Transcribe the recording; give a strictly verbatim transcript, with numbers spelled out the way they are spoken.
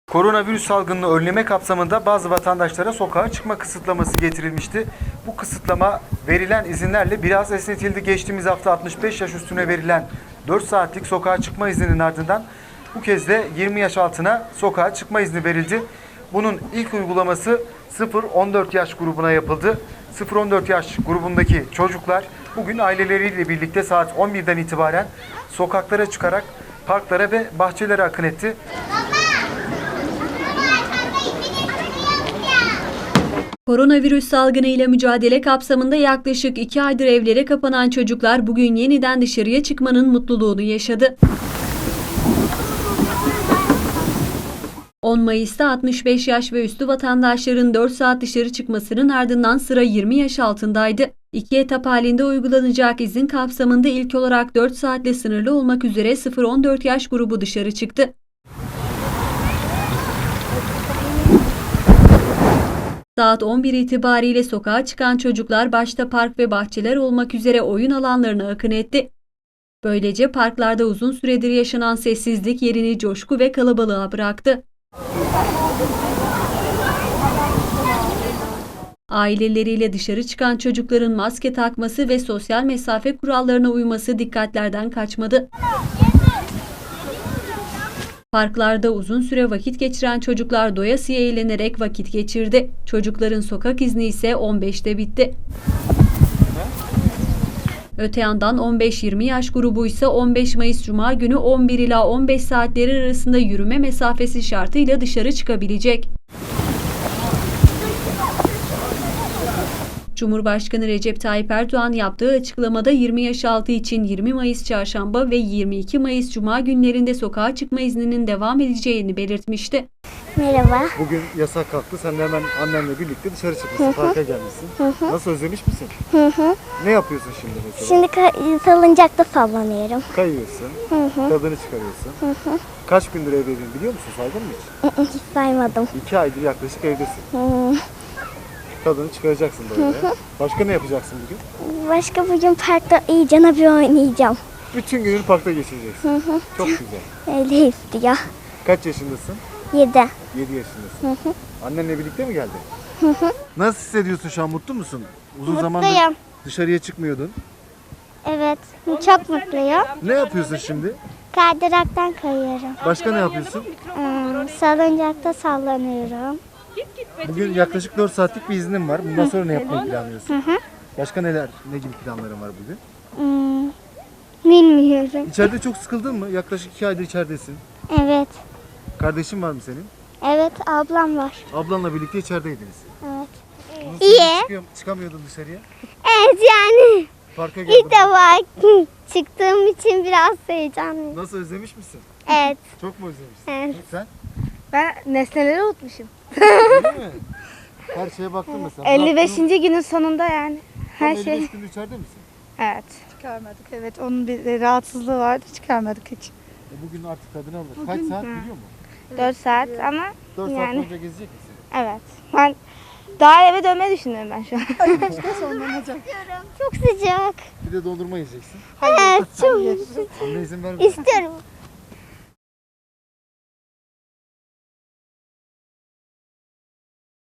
Koronavirüs salgınını önleme kapsamında bazı vatandaşlara sokağa çıkma kısıtlaması getirilmişti. Bu kısıtlama verilen izinlerle biraz esnetildi. Geçtiğimiz hafta altmış beş yaş üstüne verilen dört saatlik sokağa çıkma izninin ardından bu kez de yirmi yaş altına sokağa çıkma izni verildi. Bunun ilk uygulaması sıfır on dört yaş grubuna yapıldı. sıfır on dört yaş grubundaki çocuklar bugün aileleriyle birlikte saat on birden itibaren sokaklara çıkarak parklara ve bahçelere akın etti. Koronavirüs salgını ile mücadele kapsamında yaklaşık iki aydır evlere kapanan çocuklar bugün yeniden dışarıya çıkmanın mutluluğunu yaşadı. on Mayıs'ta altmış beş yaş ve üstü vatandaşların dört saat dışarı çıkmasının ardından sıra yirmi yaş altındaydı. İki etap halinde uygulanacak izin kapsamında ilk olarak dört saatle sınırlı olmak üzere sıfır on dört yaş grubu dışarı çıktı. Saat on bir itibariyle sokağa çıkan çocuklar başta park ve bahçeler olmak üzere oyun alanlarına akın etti. Böylece parklarda uzun süredir yaşanan sessizlik yerini coşku ve kalabalığa bıraktı. Aileleriyle dışarı çıkan çocukların maske takması ve sosyal mesafe kurallarına uyması dikkatlerden kaçmadı. Parklarda uzun süre vakit geçiren çocuklar doyasıya eğlenerek vakit geçirdi. Çocukların sokak izni ise on beşte bitti. Öte yandan on beş yirmi yaş grubu ise on beş Mayıs Cuma günü on bir ila on beş saatleri arasında yürüme mesafesi şartıyla dışarı çıkabilecek. Cumhurbaşkanı Recep Tayyip Erdoğan yaptığı açıklamada yirmi yaş altı için yirmi Mayıs Çarşamba ve yirmi iki Mayıs Cuma günlerinde sokağa çıkma izninin devam edeceğini belirtmişti. Merhaba. Bugün yasak kalktı. Sen de hemen annenle birlikte dışarı çıkmışsın, parka gelmişsin. Hı hı. Nasıl, özlemiş misin? Hı hı. Ne yapıyorsun şimdi mesela? Şimdi ka- salıncakta sallanıyorum. Kayıyorsun, Hı hı. tadını çıkarıyorsun. Hı hı. Kaç gündür evdeydin biliyor musun? Saydın mı hiç? Hı hı, Hiç saymadım. İki aydır yaklaşık evdesin. Hı. Tadını çıkaracaksın böyle. Başka ne yapacaksın bugün? Başka bugün parkta iyicene bir oynayacağım. Bütün gününü parkta geçireceksin. Hı hı. Çok güzel. Öyle istiyor. Kaç yaşındasın? Yedi. Yedi yaşındasın. Hı hı. Annenle birlikte mi geldin? Hı hı. Nasıl hissediyorsun şu an? Mutlu musun? Uzun zamandır Mutluyum. dışarıya çıkmıyordun. Evet. Çok mutluyum. Ne yapıyorsun şimdi? Kaydıraktan kayıyorum. Başka ne yapıyorsun? Hmm, salıncakta sallanıyorum. Bugün yaklaşık dört saatlik bir iznin var. Bundan sonra ne yapmayı planlıyorsun? Hı hı. Başka neler, ne gibi planların var bugün? Hmm, bilmiyorum. İçeride çok sıkıldın mı? Yaklaşık iki aydır içeridesin. Evet. Kardeşin var mı senin? Evet, ablam var. Ablanla birlikte içerideydiniz. Evet. Uzun İyi. süredir çıkıyor- çıkamıyordun dışarıya. Evet yani. Parka geldin. İlk defa çıktığım için biraz heyecanlıyım. Nasıl, özlemiş misin? Evet. Çok mu özlemişsin? Evet. Sen? Ben nesneleri unutmuşum. Değil mi? Her şeye baktın mesela. elli beşinci günün sonunda yani. Her Her elli şey. beş gündür içeride misin? Evet. Çıkarmadık. Evet, onun bir rahatsızlığı vardı. Çıkarmadık hiç. E bugün artık tadını alır. Kaç saat biliyor musun? dört saat ama dört saat yani boyunca gezecek misin? evet. Ben daha eve dönmeyi düşünüyorum ben şu an. Çok sıcak. Bir de dondurma yiyeceksin. Evet, çok Anne izin vermiyor. istiyorum.